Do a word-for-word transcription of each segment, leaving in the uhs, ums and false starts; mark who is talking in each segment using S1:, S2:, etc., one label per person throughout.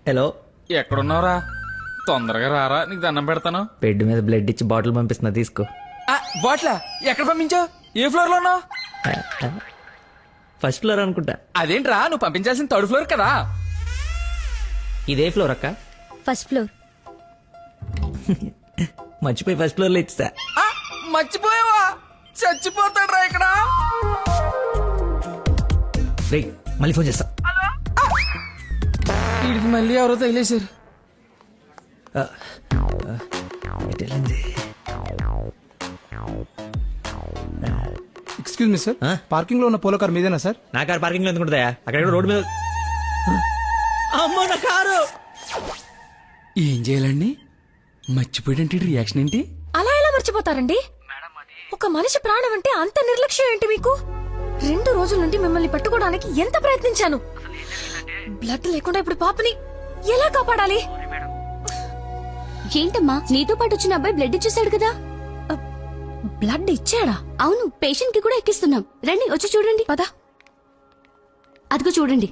S1: Hello,
S2: ఎక్కడున్నావురా? తొందరగా రారా, నీకు దండం పెడతాను.
S1: బెడ్ మీద బ్లడ్ ఇచ్చి బాటిల్ పంపిస్తున్నా, తీసుకో.
S2: బాట్లా ఎక్కడ పంపించావు? ఏ ఫ్లోర్ లో ఉన్నావు?
S1: ఫస్ట్ ఫ్లోర్ అనుకుంటా.
S2: అదేంట్రా, నువ్వు పంపించాల్సిన థర్డ్ ఫ్లోర్ కదా.
S1: ఇదే ఫ్లోర్ అక్క.
S3: First floor.
S1: మర్చిపోయి ఫస్ట్ ఫ్లోర్ లో ఇచ్చా.
S2: ఆ, మర్చిపోయావా? చచ్చిపోతాడ్రా ఇక్కడ.
S1: రే, మళ్ళీ ఫోన్ చేస్తా.
S2: వీడికి మళ్ళీ ఎవరో తగిలేశారు.
S4: ఎక్స్క్యూజ్ మీ సార్, పార్కింగ్ లో ఉన్న పోలో కార్ మీదేనా సార్?
S1: నా కారు పార్కింగ్ లో ఎందుకుంటుందా? అక్కడ రోడ్డు మీద. అమ్మో నా కారు.
S2: ఏం చేయాలండి? మర్చిపోయాడంటే రియాక్షన్ ఏంటి?
S3: అలా ఎలా మర్చిపోతారండి? ఒక మనిషి ప్రాణం అంటే అంత నిర్లక్ష్యం ఏంటి మీకు? రెండు రోజుల నుండి మిమ్మల్ని పట్టుకోవడానికి ఎంత ప్రయత్నించాను. బ్లడ్ లేకుండా ఇప్పుడు పాపని ఎలా కాపాడాలి?
S5: ఏంటమ్మా, నీతో పాటు వచ్చిన అబ్బాయి బ్లడ్ ఇచ్చేసాడు కదా?
S3: బ్లడ్ ఇచ్చాడా?
S5: అవును, పేషెంట్ కి కూడా ఎక్కిస్తున్నాం. రండి, వచ్చి చూడండి.
S3: పద.
S5: అదిగో చూడండి.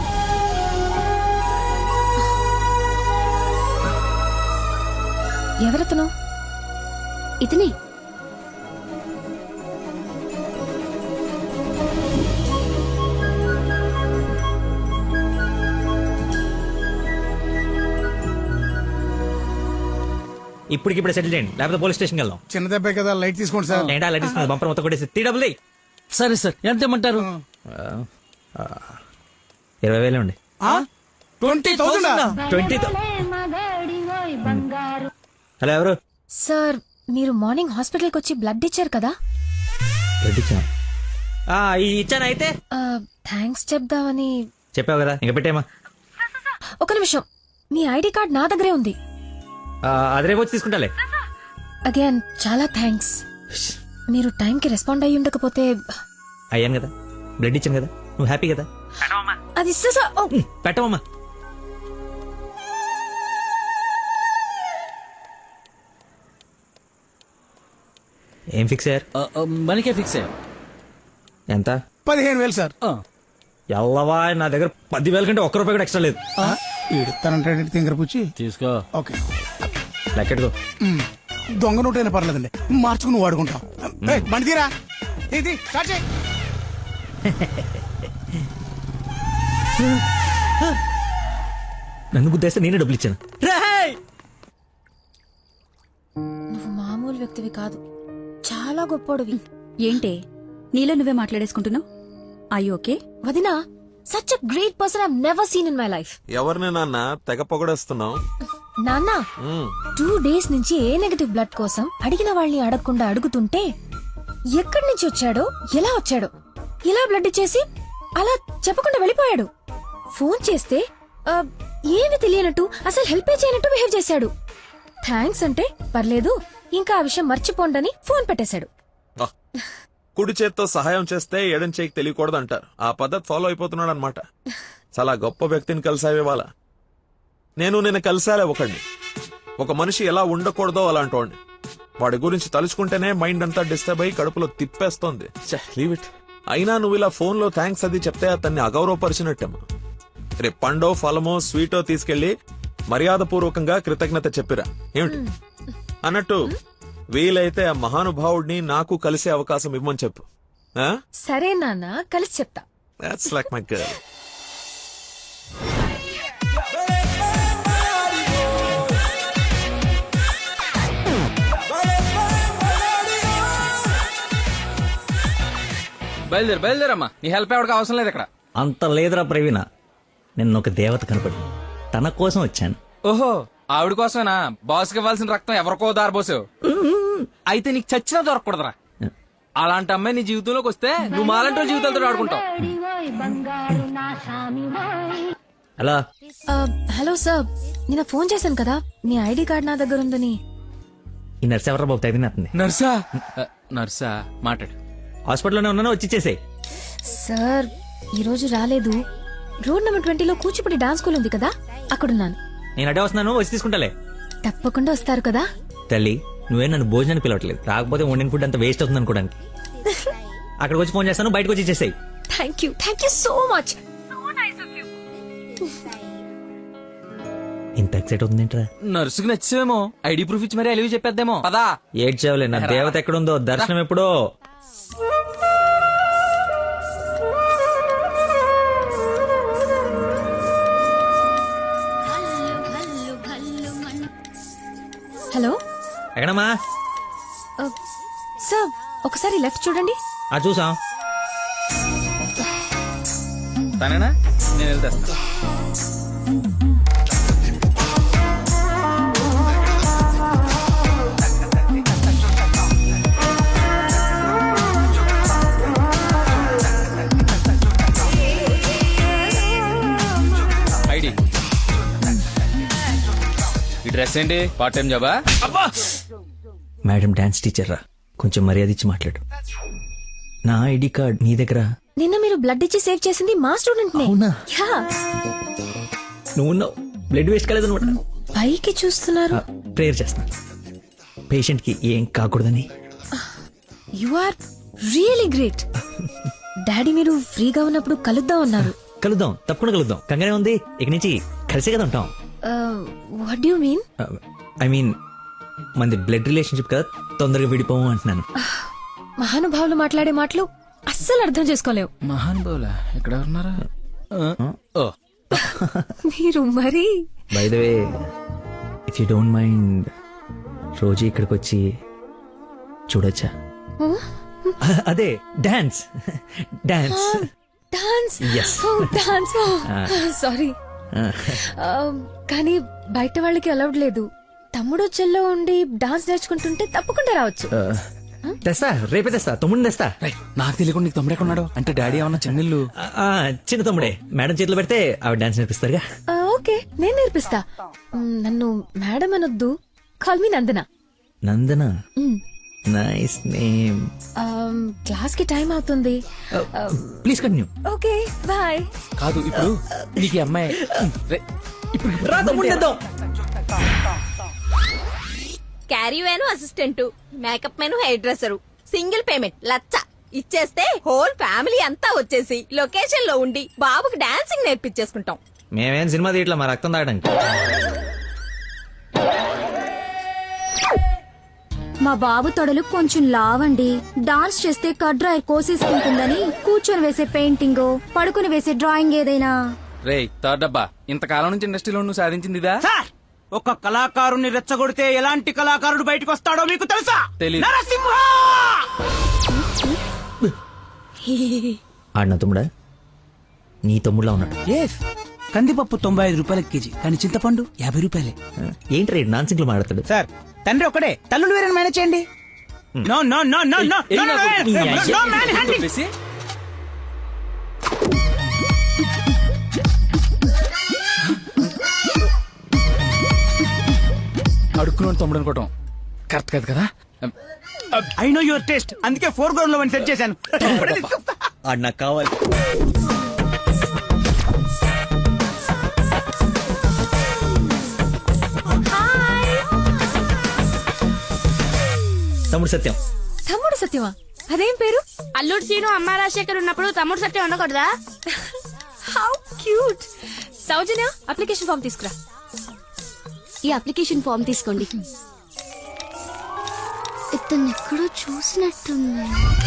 S3: ఎవరతను?
S5: ఇతనే.
S1: ఇప్పటికిప్పుడు సెటిల్ చేయండి, లేకపోతే పోలీస్ స్టేషన్కి వెళ్దాం.
S4: చిన్న దెబ్బే కదా, లైట్ తీసుకోండి సార్.
S1: ఏంటా లైట్ తీసుకున్నది? బంపర్ మొత్తం కొట్టేసి త్రీ డబుల్.
S2: సరే సార్, ఎంత ఇమ్మంటారు?
S1: ఇరవై వేలు అండి.
S4: Twenty thousand
S1: twenty. హలో, ఎవరు?
S3: సార్, మీరు మార్నింగ్ హాస్పిటల్కి వచ్చి బ్లడ్ ఇచ్చారు కదా?
S1: బ్లడ్ ఇచ్చాను. ఇచ్చాను. అయితే
S3: థ్యాంక్స్ చెప్దామని.
S1: చెప్పావు కదా, ఇంకా పెట్టేమా.
S3: ఒక నిమిషం, మీ ఐడి కార్డ్ నా దగ్గరే ఉంది.
S1: అది రేపు వచ్చి తీసుకుంటాలే.
S3: అగైన్ చాలా థ్యాంక్స్. మీరు టైంకి రెస్పాండ్ అయ్యి ఉండకపోతే.
S1: అయ్యాను కదా, బ్లడ్ ఇచ్చాను కదా, నువ్వు హ్యాపీ కదా.
S3: అది
S1: పెట్టమమ్మా. ఏం ఫిక్స్ అయ్యారు?
S2: మనకే ఫిక్స్ అయ్యా.
S1: ఎంత?
S4: పదిహేను వేలు సార్.
S1: ఎల్లవా, నా దగ్గర పదివేల కంటే ఒక్క రూపాయి కూడా ఎక్స్ట్రా లేదు.
S4: తనంటే తింగర పుచ్చి
S2: తీసుకో.
S4: ఓకే,
S1: లెక్కెట్టుకో.
S4: దొంగ నోట్ అయినా పర్లేదండి, మార్చుకుని నువ్వు వాడుకుంటాం. బండి తీరా, ఇది స్టార్ట్ చేయి.
S1: నన్ను గుద్దేస్తే నేనే డబ్బులు ఇచ్చాను.
S3: నువ్వు మామూలు వ్యక్తివి కాదు, చాలా గొప్పోడివి.
S5: ఏంటే నీలో నువ్వే మాట్లాడేసుకుంటున్నావు? I okay?
S3: వదినా, such a great person I never seen in my life.
S6: ఎవరిని నాన్న తెగ పొగడేస్తున్నావు?
S3: నాన్న, టూ డేస్ నుంచి ఏ నెగటివ్ బ్లడ్ కోసం అడిగిన వాళ్ళని అడగకుండా అడుగుతుంటే ఎక్కడి నుంచి వచ్చాడో, ఎలా వచ్చాడో, ఇలా బ్లడ్ ఇచ్చేసి అలా చెప్పకుండా వెళ్ళిపోయాడు. ఫోన్ చేస్తే ఆ, ఏమి తెలియనట్టు, అసలు హెల్ప్ చేయనట్టు బిహేవ్ చేశాడు. థ్యాంక్స్ అంటే పర్లేదు, ఇంకా ఆ విషయం మర్చిపోండని ఫోన్ పెట్టేశాడు.
S6: కుడి చేత్తో సహాయం చేస్తే ఎడం చేయికి తెలియకూడదు అంటారు. ఆ పద్ధతి ఫాలో అయిపోతున్నాడు అనమాట. చాలా గొప్ప వ్యక్తిని కలిసావే వాళ్ళ. నేను నిన్న కలిసాలే ఒకడిని. ఒక మనిషి ఎలా ఉండకూడదో అలాంటి వాడిని. వాడి గురించి తలుచుకుంటేనే మైండ్ అంతా డిస్టర్బ్ అయ్యి కడుపులో తిప్పేస్తోంది. Leave it. అయినా నువ్వు ఇలా ఫోన్ లో థ్యాంక్స్ అది చెప్తే అతన్ని అగౌరవపరిచినట్టేమో. రేపు పండో ఫలమో స్వీటో తీసుకెళ్లి మర్యాద పూర్వకంగా కృతజ్ఞత చెప్పిరా. ఏమిటి అన్నట్టు వీలైతే ఆ మహానుభావుడిని నాకు కలిసే అవకాశం ఇవ్వమని చెప్పు.
S3: సరే నాన్న, కలిసి చెప్తా.
S6: That's like my girl.
S2: బయలుదేరు బయలుదేరమ్మా, నీ హెల్ప్ ఎవరికి అవసరం లేదు ఇక్కడ.
S1: అంత లేదురా ప్రవీణ, నిన్న ఒక దేవత కనపడి తన కోసం వచ్చాను.
S2: ఓహో, ఆవిడ కోసమేనా? బాస్కి ఇవ్వాల్సిన రక్తం ఎవరికో దారబోసావు. అయితే నీకు చచ్చినా దొరకకూడదురా. అలాంటి అమ్మాయి నీ జీవితంలోకి వస్తే నువ్వు మాలంటి జీవితాలతో ఆడుకుంటావు.
S1: హలో.
S3: హలో సార్, నిన్న ఫోన్ చేశాను కదా, మీ ఐడి కార్డ్ నా దగ్గర ఉందని.
S1: ఈ నర్స్ ఎవరా బాబు తగినట్టుంది?
S2: నర్సా? నర్సా మాట్లాడు.
S1: హాస్పిటల్లోనే ఉన్నాను, వచ్చి ఇచ్చేసేయ్.
S3: సార్, ఈ రోజు రాలేదు. రోడ్ నెంబర్ ట్వంటీలో కూచిపూడి డాన్స్ స్కూల్ ఉంది కదా, అక్కడున్నాను.
S1: నేను అడే వస్తున్నాను, వచ్చి తీసుకుంటాలే.
S3: తప్పకుండా వస్తారు కదా.
S1: తల్లి, నువ్వే నన్ను భోజనాన్ని పిలవట్లేదు. రాకపోతే వండిన ఫుడ్ అంత వేస్ట్ అవుతుంది అనుకోడానికి. అక్కడికి వచ్చి ఫోన్ చేస్తాను, బయటకు వచ్చి ఇచ్చేసేయ్.
S3: Thank you, thank you so much.
S1: ఇంత ఎక్సైట్ అవుతుంది ఏంట్రా?
S2: నర్సుకి నచ్చేమో ఐడి ప్రూఫ్ ఇచ్చి మరీ అలివి చెప్పేద్దేమో పదా.
S1: ఏడ్చావులే, నా దేవత ఎక్కడుందో దర్శనం ఎప్పుడో.
S3: హలో
S1: ఎక్కడమ్మా?
S3: సార్ ఒకసారి లెఫ్ట్ చూడండి.
S1: ఆ చూసాం.
S2: తనేనా? నేను వెళ్తా. ఐడి ఈ డ్రెస్ ఏంటి? పార్ట్ టైం జాబా?
S1: మేడం డాన్స్ టీచర్ రా, కొంచెం మర్యాద ఇచ్చి మాట్లాడు. నా ఐడి కార్డ్ మీ దగ్గర.
S3: నిన్న మీరు బ్లడ్ ఇచ్చి సేవ్ చేసింది మా స్టూడెంట్ నే.
S1: అవునా?
S3: యా.
S1: నువ్వు ఉన్నావు, బ్లడ్ వేస్ట్ కాలేదన్నమాట.
S3: పైకి చూస్తున్నారు.
S1: ప్రేయర్ చేస్తా పేషెంట్ కి ఏం కాకూడదని.
S3: You are really great. Daddy మీరు ఫ్రీగా ఉన్నప్పుడు కలుద్దాం అన్నారు.
S1: కలుద్దాం, తప్పకుండా కలుద్దాం. కంగానే ఉంది, ఇక నుంచి కలిసే కదా ఉంటాం.
S3: What you mean?
S1: I mean మనది బ్లడ్ రిలేషన్షిప్ కదా, తొందరగా విడిపోము అంటున్నాను.
S3: మహానుభావులు మాట్లాడే మాటలు అస్సలు అర్థం చేసుకోలేవు.
S2: మహాన్ బోలా ఎక్కడ ఉన్నారా? ఓ
S3: మీరు మరి
S1: by the way, if you don't mind, రోజు ఇక్కడికి వచ్చి చూడొచ్చా? అదే dance dance
S3: dance.
S1: Yes.
S3: Dance. Sorry, కానీ బయట వాళ్ళకి అలౌడ్ లేదు. తమ్ముడు చెల్లో ఉండి డాన్స్ నేర్చుకుంటుంటే తప్పకుండా రావచ్చు.
S1: తెస్తా, రేపే తెస్తా, తమ్ముడిని తెస్తా.
S2: రేయ్, నాకు తెలియకుండా నీకు తమ్ముడు ఎక్కడున్నాడు? అంటే డాడీ ఏమన్నా చెన్నెళ్ళు?
S1: ఆ, ఆ, చిన్న తమ్ముడే, మేడం చేతిలో పెడితే ఆవిడ డాన్స్ నేర్పిస్తారుగా.
S3: ఆ, ఓకే, నేను నేర్పిస్తా. మ్, నన్ను మేడం అనొద్దు, call me Nandana.
S1: Nandana,
S3: hmm,
S1: nice name.
S3: ఆమ్, క్లాస్ కి టైం అవుతుంది.
S1: Please continue.
S3: Okay, bye.
S2: కాదు ఇప్పుడు నీకు ఈ అమ్మాయి రేయ్, ఇప్పుడు
S1: రా తమ్ముడిని తెద్దాం.
S7: Caravan assistant, makeup man hair dresser, single payment లచ్చ ఇచ్చేస్తే హోల్ ఫ్యామిలీ అంతా వచ్చేసి లొకేషన్ లో ఉండి బాబుకి డాన్సింగ్ నేర్పించేసుకుంటాం.
S1: మేమేం సినిమా తీయట్లా, మా రక్తం తాగడానికి.
S5: మా బాబు తొడలు కొంచెం లావండి. డాన్స్ చేస్తే కట్ డ్రైర్ కోసేసుకుంటుందని కూర్చొని వేసే పెయింటింగ్, పడుకుని వేసే డ్రాయింగ్ ఏదైనా.
S2: రేయ్ థర్డ్ డబ్బా, ఇంతకాలం నుంచి ఇండస్ట్రీలో నువ్వు సాధించింది ఇదా?
S8: సార్, ఒక కళాకారుని రెచ్చగొడితే ఎలాంటి కళాకారుడు బయటకు వస్తాడో మీకు తెలుసా?
S2: తెలీదు.
S8: నరసింహ!
S1: ఆడిన తమ్ముడా? నీ తమ్ముడులా ఉన్నాడు.
S8: ఎస్, కందిపప్పు తొంభై ఐదు రూపాయల కేజీ, కానీ చింతపండు యాభై రూపాయలే.
S1: ఏంటి రేడు నాన్ సింగ్లు మాట్లాడతాడు?
S8: సార్, తండ్రి ఒకడే, తల్లులు వేరే మేనేజ్ చేయండి. No no no no no
S2: ఏయ్,
S8: నో
S2: నాకు
S8: నో,
S2: ఈ
S8: నో, నో మ్యాన్ హ్యాండింగ్.
S2: చెప్పేసి అడుక్కున్నాడు తమ్ముడు అనుకోవటం కరెక్ట్ కాదు కదా.
S8: ఐ నో యువర్ టేస్ట్, అందుకే ఫోర్ గ్రౌండ్ లో సెట్ చేశాను. ఇప్పుడే తీసుకొస్తా.
S1: ఆడు నాకు కావాలి. తమ్ముడు సత్యం.
S3: తమ్ముడు సత్యమా? అదేం పేరు?
S9: అల్లుడు సీను అమ్మ రాజశేఖర్ ఉన్నప్పుడు తమ్ముడు సత్యం ఉండకూడదా?
S3: How cute. Soujanya, application form తీసుకురా.
S5: ఈ అప్లికేషన్ ఫామ్ తీసుకోండి. ఇతను ఎక్కడో చూసినట్టుంది.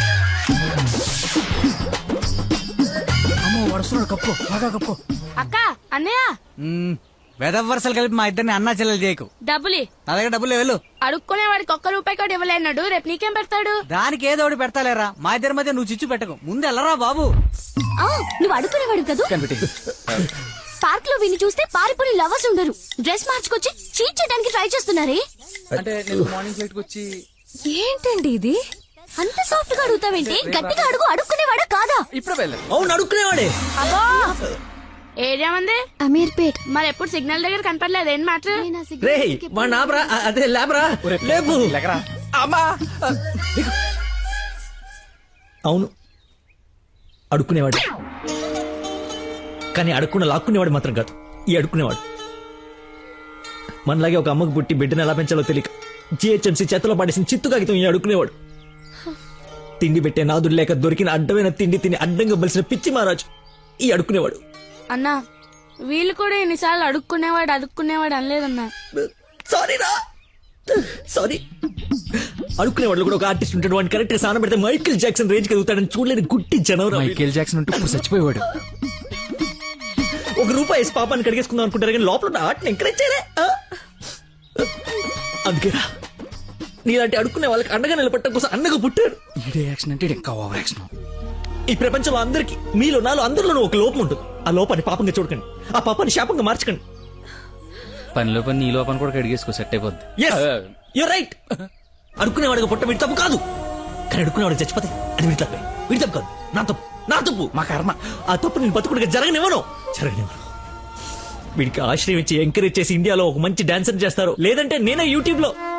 S8: అమ్మో, వడుస్తున్నాడు, కప్పు బాగా కప్పు.
S9: అక్క, అన్నయ్య
S8: వెదవ వరుసలు కలిపి మా ఇద్దరిని అన్నా చెల్లెలు చేయకు.
S9: డబ్బులి
S8: నా దగ్గర డబ్బులు వెళ్ళు.
S9: అడుక్కునే వాడికి ఒక్క రూపాయి కూడా ఇవ్వలేనాడు, రేపు నీకేం పెడతాడు?
S8: దానికి ఏదో ఒకటి పెడతాలేరా, మా ఇద్దరి మధ్య నువ్వు చిచ్చు పెట్టకు. ముందు వెళ్ళరా బాబు.
S5: ఆ, నువ్వు అడుగునేవాడు కదా.
S2: కనిపెట్టి
S5: పార్క్ లో విని చూస్తే పారిపోయి లవర్స్ ఉండరు. డ్రెస్ మార్చుకొచ్చి చీట్ చేయడానికి ట్రై చేస్తున్నారే.
S2: అంటే నేను మార్నింగ్ ఫ్లైట్ కి వచ్చి
S3: ఏంటండి ఇది?
S5: అంత సాఫ్ట్ గా అడుగుతావేంటి? గట్టిగా అడుగు. అడుక్కునేవాడా కాదా?
S2: ఇప్పుడు వెళ్ళాను.
S1: అవును, అడుక్కునేవాడే.
S9: అబ్బో, ఏరియా మంది
S5: అమీర్పేట్.
S9: మరి ఎప్పుడు సిగ్నల్ దగ్గర కనపడలేదు, ఏం మాట?
S1: రే మా నాబరా, అదే లేబరా, లేపు.
S2: లేకరా అమ్మా.
S1: అవును, అడుక్కునేవాడు. కానీ అడుక్కున్న లాక్కునేవాడు మాత్రం కాదు ఈ అడుక్కునేవాడు. మనలాగే ఒక అమ్మకు పుట్టి బిడ్డను ఎలా పెంచాలో తెలియక జిహెచ్ఎంసీ చేతిలో పడేసిన చిత్తు కాగితం ఈ అడుక్కునేవాడు. తిండి పెట్టే నాదుడు లేక దొరికిన అడ్డమైన తిండి తిని అడ్డంగా బలిసిన పిచ్చి మహారాజు ఈ అడుక్కునేవాడు.
S9: అన్నా, వీళ్ళు కూడా ఎన్నిసార్లు అడుక్కునేవాడు అడుక్కునేవాడు అనలేదన్నా.
S1: సారీ రా సారీ. అడుక్కునే వాళ్ళు కూడా ఒక ఆర్టిస్ట్ ఉంటాడు, వాడిని కరెక్ట్ సాన పెడితే మైకిల్ జాక్సన్ రేంజ్ కలుగుతాడని చూడలేని గుట్టి జనవరం.
S2: మైకేల్ జాక్సన్ ఉంటూ ఇప్పుడు చచ్చిపోయేవాడు.
S1: ఒక రూపాయి వేసి పాపాన్ని కడిగేసుకుందాం అనుకుంటారు కానీ లోపల ఉన్న ఆర్ట్ని ఎంకరేజ్ చేయలే. ఆ? అందుకేరా నీలాంటి అడుక్కునే వాళ్ళకి అండగా నిలబట్టడం కోసం అన్నగా పుట్టారు.
S2: ఈడే యాక్షన్ అంటే ఇంకా ఓవర్ యాక్షన్.
S1: ఈ ప్రపంచంలో అందరికి మీలో నాలో అందరిలోనూ ఒక లోపం ఉంటుంది. ఆ లోపాన్ని పాపంగా చూడకండి, ఆ పాపాన్ని శాపంగా మార్చకండి.
S2: పనిలో పని నీ లోపల కూడా కడిగేసుకో, సెట్ అయిపోద్ది.
S1: You right. అడుక్కునేవాడిగా పుట్ట వీడి తప్పు కాదు, కానీ అడుక్కునేవాడికి చచ్చిపోతే అది వీడి తప్పే. వీడి తప్పు కాదు, నా తప్పు, నా తప్పు, మా కర్మ. ఆ తప్పు నేను బతుకుడిగా జరగనివ్వను, జరగనివ్వను. వీడికి ఆశ్రయం ఇచ్చి ఎంకరేజ్ చేసి ఇండియాలో ఒక మంచి డాన్సర్ చేస్తారు, లేదంటే నేనే యూట్యూబ్ లో